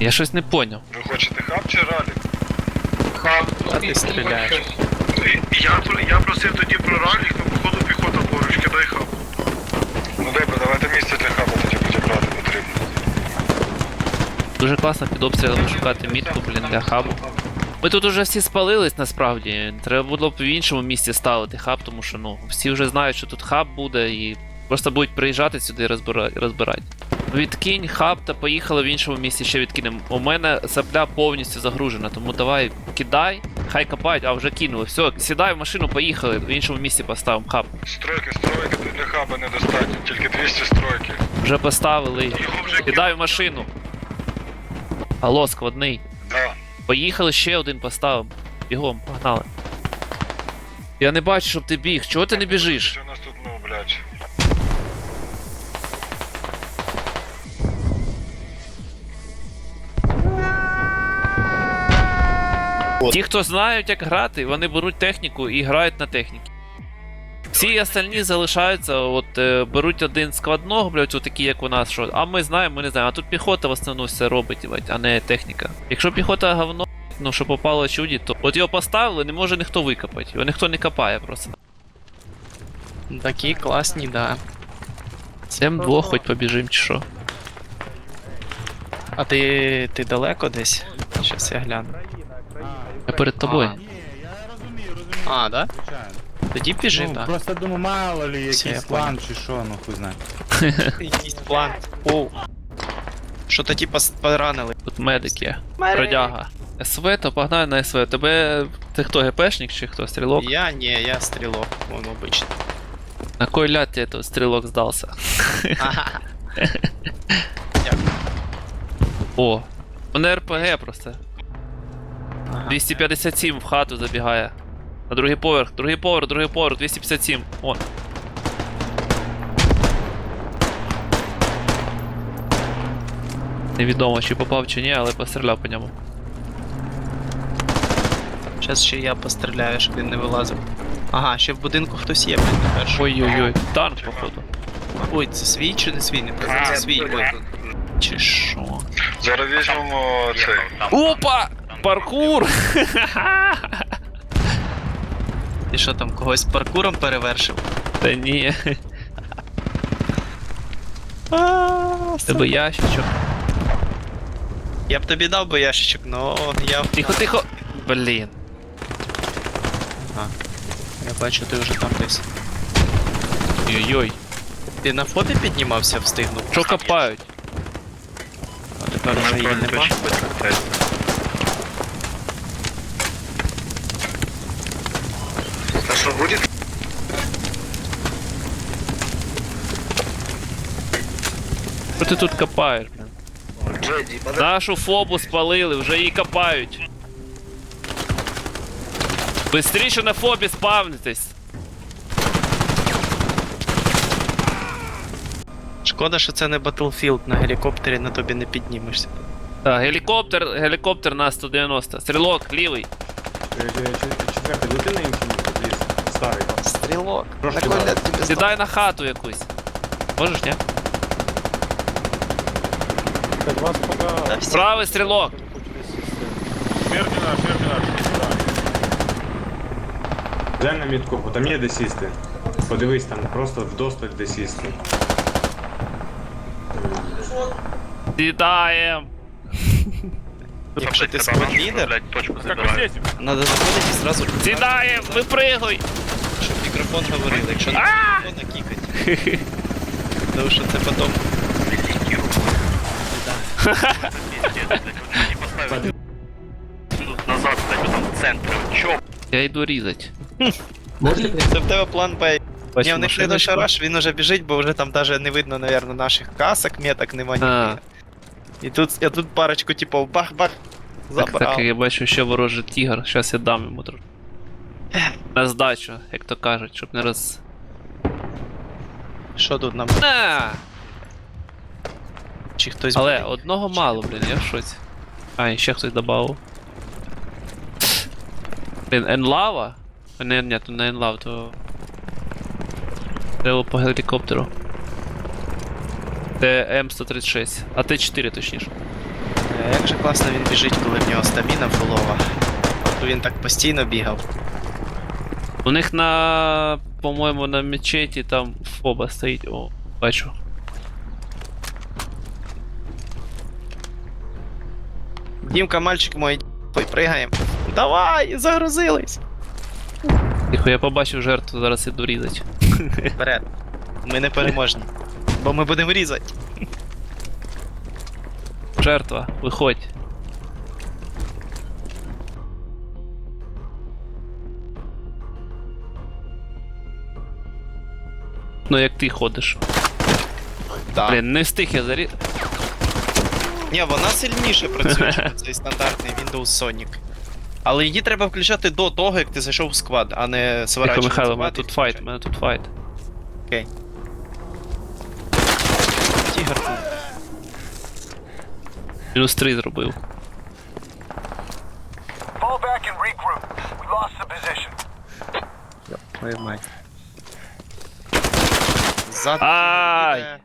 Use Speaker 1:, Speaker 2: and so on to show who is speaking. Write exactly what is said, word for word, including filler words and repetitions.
Speaker 1: Я щось не поняв.
Speaker 2: Ви хочете хаб чи ралі?
Speaker 3: Хаб.
Speaker 4: А ти стріляєш.
Speaker 2: Я, я просив тоді про ралі, то походу піхота поруч, кидай хаб. Ну добре, давайте місце для хаба тоді буде брати потрібно.
Speaker 1: Дуже класно під обстрілами шукати мітку, блін, для хабу. Ми тут уже всі спалились насправді. Треба було б в іншому місці ставити хаб, тому що ну, всі вже знають, що тут хаб буде і просто будуть приїжджати сюди і розбирати. розбирати. Відкинь хаб та поїхали в іншому місці ще відкинемо. У мене сапля повністю загружена, тому давай кидай, хай копають, а вже кинули. Все, сідай в машину, поїхали, в іншому місці поставимо хаб.
Speaker 2: Стройки, стройки для хаба недостатньо, тільки двісті стройки.
Speaker 1: Вже поставили.
Speaker 2: Його вже
Speaker 1: Кидай в машину. Алло, складний.
Speaker 2: Да.
Speaker 1: Поїхали, ще один поставимо. Бігом, погнали. Я не бачу, щоб ти біг. Чого ти не біжиш?
Speaker 2: Що у нас тут, ну, блядь.
Speaker 1: Ті, хто знають, як грати, вони беруть техніку і грають на техніці. Всі остальні залишаються, от е, беруть один складного, блядь, отакі, як у нас, що. А ми знаємо, ми не знаємо. А тут піхота в основному все робить, блядь, а не техніка. Якщо піхота говно, ну що попало чуді, то от його поставили, не може ніхто викопати. Його ніхто не копає просто.
Speaker 4: Такі класні, да.
Speaker 1: Цим двох хоч побіжим чи що.
Speaker 4: А ти, ти далеко десь? Щас я гляну.
Speaker 1: Я перед тобою.
Speaker 5: Ні, я розумію, розумію.
Speaker 4: А, да?
Speaker 5: Звичайно.
Speaker 4: Тоді біжи,
Speaker 5: Ну,
Speaker 4: так.
Speaker 5: просто думаю, мало ли
Speaker 4: Все, я
Speaker 5: якийсь
Speaker 4: понял.
Speaker 5: план чи що, ну хуй знає.
Speaker 4: Якийсь план. Оу. Що то типа поранили.
Speaker 1: Тут медик є. Продяга. СВ, то погнали на СВ. Тебе. Ти хто, ГПшник чи хто? Стрілок?
Speaker 4: Я ні, я стрілок, вон обичний.
Speaker 1: На кой ляд тебе тут стрілок здався?
Speaker 4: Ага.
Speaker 1: О, у мене РПГ просто.
Speaker 4: Ага.
Speaker 1: двісті п'ятдесят сім в хату забігає. На другий поверх, другий поверх, другий поверх, двісті п'ятдесят сім. О. Невідомо, чи попав чи ні, але постріляв по ньому.
Speaker 4: Щас ще я постріляю, щоб він не вилазив. Ага, ще в будинку хтось є, блін, тепер. що?
Speaker 1: Ой-ой-ой, танк, походу.
Speaker 4: Ой, це свій чи не свій? Не пам'ятаю, це свій. Ой. Чи що?
Speaker 2: Зараз візьмемо цей.
Speaker 1: Опа! Паркур!
Speaker 4: Ти що там, когось паркуром перевершив?
Speaker 1: Та ні. Тебе ящичок.
Speaker 4: Я б тобі дав би ящичок, но я...
Speaker 1: Тихо, тихо. Блін.
Speaker 4: Ага. Я бачу, ти вже там десь.
Speaker 1: Ой-ой.
Speaker 4: Ти на фобі піднімався, встигнув?
Speaker 1: Що копають?
Speaker 4: А тепер вже її нема.
Speaker 2: А що буде?
Speaker 1: Що ти тут копаєш, блін?
Speaker 2: Джеді,
Speaker 1: Нашу фобу спалили, вже її копають. Бистріше на фобі спавнитесь.
Speaker 4: Шкода, що це не Battlefield, на гелікоптері на тобі не піднімешся.
Speaker 1: Так, гелікоптер, гелікоптер на сто дев'яносто. Стрілок, лівий.
Speaker 6: Четвертый, лети на інший ліс, старий.
Speaker 4: Стрілок.
Speaker 6: Трошки
Speaker 4: На коля
Speaker 6: далі.
Speaker 4: тобі
Speaker 1: Сідай на хату якусь. Можеш, ні?
Speaker 6: Так, вас пока...
Speaker 1: Правий стрілок.
Speaker 5: Смерть наш, смерть наш.
Speaker 6: Глянь на мітку, бо там є де сісти. Подивись, там просто вдосталь де сісти.
Speaker 1: Сідаєм.
Speaker 4: Якщо ти сквад-лідер,
Speaker 5: Как здесь?
Speaker 4: треба заходити і зразу...
Speaker 1: Сідаєм, випригуй.
Speaker 4: Щоб мікрофон говорив, якщо не мікрофон, кікать. Тому що це потім...
Speaker 2: назад, кстати, там в центрі. Чо?
Speaker 1: Я йду різати.
Speaker 4: Це в тебе план Б. Ні,
Speaker 1: Бачу,
Speaker 4: в них не
Speaker 1: машиночку.
Speaker 4: шараш, він уже біжить, бо вже там навіть не видно, наверное, наших касок, меток нема
Speaker 1: А.
Speaker 4: ніде. І тут, я тут парочку, типу, бах-бах,
Speaker 1: Так,
Speaker 4: забрав.
Speaker 1: так, я бачу ще ворожий тігр, щас я дам йому трохи. На здачу, як то кажуть, щоб не роз...
Speaker 4: Що тут нам?
Speaker 1: На!
Speaker 4: Чи хтось
Speaker 1: Але
Speaker 4: буде?
Speaker 1: одного мало, блін, я в шоці. А, і ще хтось добавив. Блін, енлава? Не, ні, то не енлав, то... Треба по гелікоптеру. Це М сто тридцять шість, а Т чотири точніше.
Speaker 4: А як же класно він біжить, коли в нього стаміна фулова. То він так постійно бігав.
Speaker 1: У них на, по-моєму, на мечеті там фоба стоїть. О, бачу.
Speaker 4: Дімка, мальчик мой, ой, пригаємо. Давай, загрузились!
Speaker 1: Тихо, я побачив жертву, зараз іду різати.
Speaker 4: Вперед. Ми не переможні. Бо ми будемо різати.
Speaker 1: Жертва, виходь. Ну як ти ходиш.
Speaker 4: Так.
Speaker 1: Блін, не встиг я заріз.
Speaker 4: Ні, вона сильніше працює, ніж цей стандартний Windows Sonic. Але її треба включати до того, як ти зайшов в сквад, а не
Speaker 1: Тихо,
Speaker 4: сворачувати.
Speaker 1: Михайло, у мене
Speaker 4: сквад
Speaker 1: тут
Speaker 4: і
Speaker 1: файт, у
Speaker 4: включати.
Speaker 1: мене тут файт.
Speaker 4: Окей. Тігр тут.
Speaker 1: Мінус три зробив.
Speaker 3: Fall back and regroup. We lost the position.
Speaker 4: Твою мать. Ззаду
Speaker 1: Ай!
Speaker 4: їде.